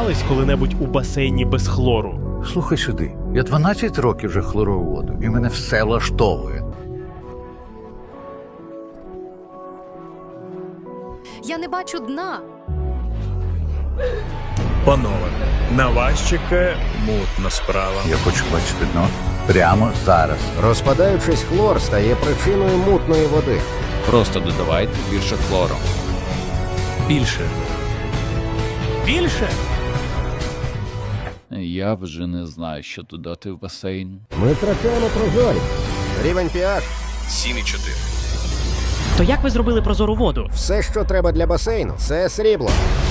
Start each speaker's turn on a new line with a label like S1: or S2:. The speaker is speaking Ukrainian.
S1: купались коли-небудь у басейні без хлору?
S2: Слухай сюди, я 12 років вже хлорую воду, і мене все влаштовує.
S3: Я не бачу дна.
S4: Панове, на вас чекає мутна справа.
S2: Я хочу бачити дно прямо зараз.
S5: Розпадаючись, хлор стає причиною мутної води.
S6: Просто додавайте більше хлору.
S4: Більше.
S1: Більше?
S6: Я вже не знаю, що додати в басейн.
S5: Ми втрачаємо прозорість. Рівень pH –
S4: 7,4.
S1: То як ви зробили прозору воду?
S5: все, що треба для басейну, це срібло.